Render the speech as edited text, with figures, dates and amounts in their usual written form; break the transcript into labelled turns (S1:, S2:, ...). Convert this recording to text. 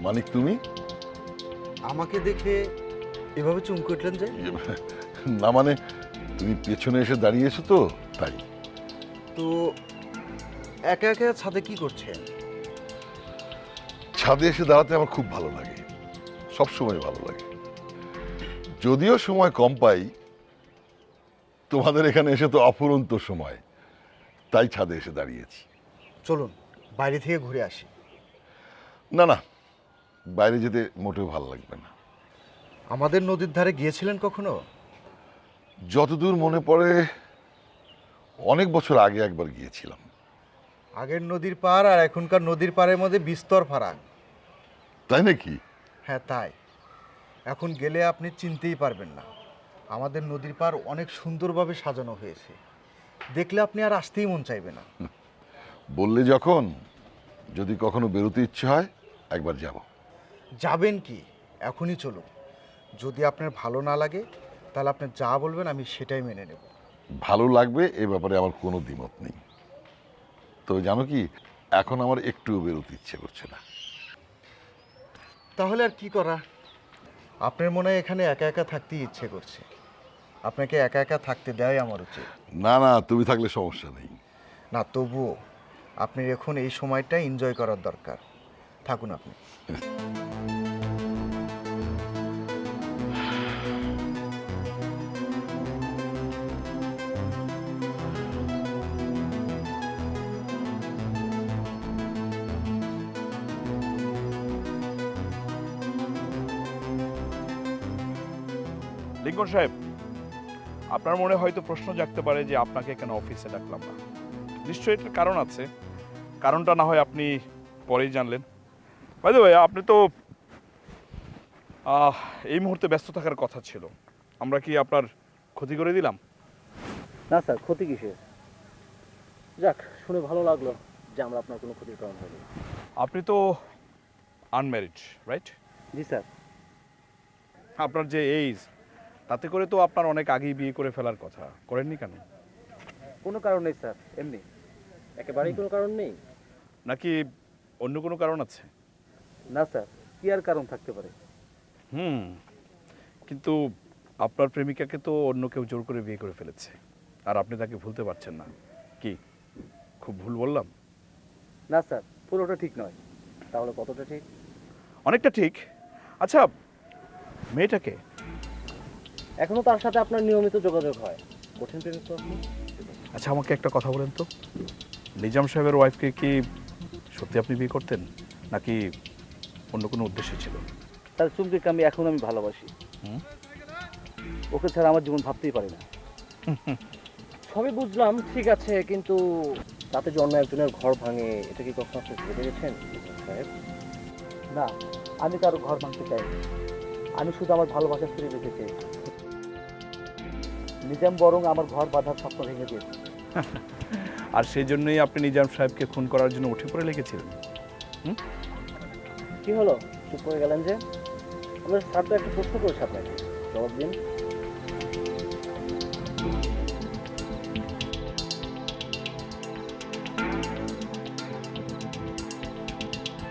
S1: মানিক তুমি?
S2: আমাকে দেখে এভাবে চমকে উঠলেন যে?
S1: না মানে তুমি পেছনে এসে দাঁড়িয়েছো তো তাই।
S2: তো একা একা ছাদে কি করছেন?
S1: ছাদে এসে দাঁড়াতে আমার খুব ভালো লাগে, সব সময় ভালো লাগে। যদিও সময় কম পাই, তোমাদের এখানে এসে তো অফুরন্ত সময়, তাই ছাদে এসে দাঁড়িয়েছি।
S2: চলুন বাইরে থেকে ঘুরে আসি।
S1: না না, বাইরে যেতে মোটেও ভালো লাগবে না।
S2: আমাদের নদীর ধারে গিয়েছিলেন কখনো?
S1: যতদূর মনে পড়ে অনেক বছর আগে একবার গিয়েছিলাম।
S2: আগের নদীর পার আর এখনকার নদীর পাড়ের মধ্যে বিস্তর ফারাক।
S1: তাই নাকি?
S2: হ্যাঁ তাই। এখন গেলে আপনি চিনতেই পারবেন না। আমাদের নদীর পাড় অনেক সুন্দরভাবে সাজানো হয়েছে, দেখলে আপনি আর আসতেই মন চাইবে না।
S1: বললে যখন, যদি কখনো বেরোতে ইচ্ছে হয় একবার যাব।
S2: যাবেন কি? এখনই চলুন। যদি আপনার ভালো না লাগে তাহলে আপনি যা বলবেন আমি সেটাই মেনে নেব।
S1: ভালো লাগবে এ ব্যাপারে আমার কোনো দ্বিমত নেই। তো জানো কি, এখন আমার একটুও বেরোতে ইচ্ছে করছে না।
S2: তাহলে আর কি করা? আপনার মনে হয় এখানে একা একা থাকতেই ইচ্ছে করছে। আপনাকে একা একা থাকতে দেওয়াই আমার উচিত।
S1: না না, তুমি থাকলে সমস্যা নেই।
S2: না তবুও আপনার এখন এই সময়টা এনজয় করার দরকার। থাকুন আপনি।
S3: লিঙ্কন সাহেব, আপনার মনে হয়তো প্রশ্ন জাগতে পারে যে আপনাকে কেন অফিসে ডাকলাম না। নিশ্চয়ই এটার কারণ আছে। কারণটা না হয় আপনি পরেই জানলেন। বাই দ্য ওয়ে, আপনি তো এই মুহূর্তে ব্যস্ত থাকার কথা ছিল। আমরা কি আপনার ক্ষতি করে দিলাম?
S4: না স্যার, ক্ষতি কিসের? যাক, শুনে ভালো লাগলো যে আমরা আপনার কোনো ক্ষতির কারণ হয়নি।
S3: আপনি তো আনম্যারিড, রাইট?
S4: জি স্যার।
S3: আপনার যে এইজ, তাতে করে তো আপনার অনেক আগেই বিয়ে করে ফেলার কথা। করেননি কেন?
S4: কোনো কারণ নেই স্যার, এমনি। একেবারেই কোনো কারণ নেই।
S3: নাকি অন্য কোনো কারণ আছে?
S4: না স্যার, কি আর কারণ থাকতে পারে?
S3: কিন্তু আপনার প্রেমিকাকে তো অন্য কেউ জোর করে বিয়ে করে ফেলেছে, আর আপনি তাকে ভুলতে পারছেন না। কি খুব ভুল বললাম?
S4: না স্যার, পুরোটা ঠিক নয়। তাহলে কতটা ঠিক?
S3: অনেকটা ঠিক। আচ্ছা, মেয়েটাকে?
S4: এখনো তার সাথে আপনার নিয়মিত যোগাযোগ হয়। কঠিন প্রেমিক তো আপনি।
S3: আচ্ছা, আমাকে একটা কথা বলেন তো, নিজাম সাহেবের ওয়াইফকে কি সত্যি আপনি বিয়ে করতেন, নাকি অন্য কোনো উদ্দেশ্য ছিল?
S4: তার চুমকিকে আমি ভালোবাসি।
S3: হুম?
S4: ওকে ছাড়া আমার জীবন ভাবতেই পারি না। সবই বুঝলাম, ঠিক আছে, কিন্তু তাতে যে অন্য একজনের ঘর ভাঙে, এটা কি কখনো আপনি ভেবে গেছেন সাহেব? না, আমি কারো ঘর ভাঙতে চাইনি। আমি শুধু আমার ভালোবাসা ফিরে পেতে চেয়েছি। নিজাম বরং আমার ঘর বাঁধার স্বপ্ন ভেঙে দিয়েছে।
S3: আর সেই জন্যই আপনি নিজাম সাহেবকে খুন করার জন্য উঠে পড়ে লেগেছিলেন?
S4: কি হলো, চুপ করে গেলেন যে? আমরা স্যার তো একটা প্রশ্ন করেছি আপনাকে, জবাব দিন।